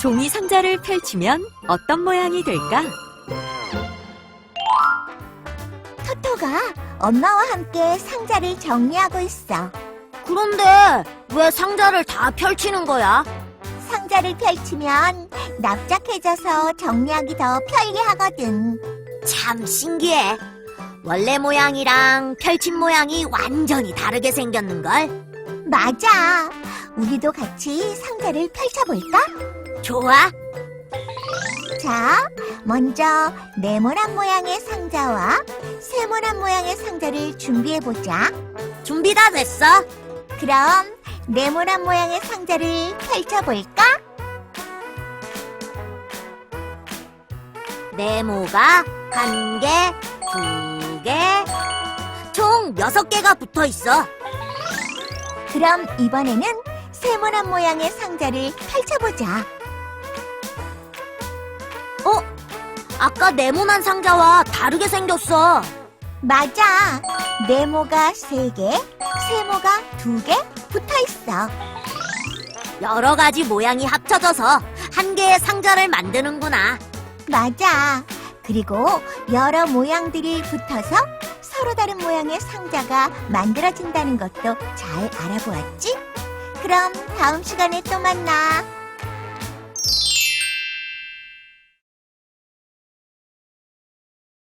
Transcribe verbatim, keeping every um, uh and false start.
종이 상자를 펼치면 어떤 모양이 될까? 토토가 엄마와 함께 상자를 정리하고 있어. 그런데 왜 상자를 다 펼치는 거야? 상자를 펼치면 납작해져서 정리하기 더 편리하거든. 참 신기해. 원래 모양이랑 펼친 모양이 완전히 다르게 생겼는걸? 맞아. 우리도 같이 상자를 펼쳐볼까? 좋아. 자, 먼저 네모난 모양의 상자와 세모난 모양의 상자를 준비해보자. 준비 다 됐어. 그럼 네모난 모양의 상자를 펼쳐볼까? 네모가 한 개, 두 개, 총 여섯 개가 붙어 있어. 그럼 이번에는 세모난 모양의 상자를 펼쳐보자. 어? 아까 네모난 상자와 다르게 생겼어. 맞아. 네모가 세 개, 세모가 두 개 붙어있어. 여러 가지 모양이 합쳐져서 한 개의 상자를 만드는구나. 맞아. 그리고 여러 모양들이 붙어서 서로 다른 모양의 상자가 만들어진다는 것도 잘 알아보았지? 그럼 다음 시간에 또 만나.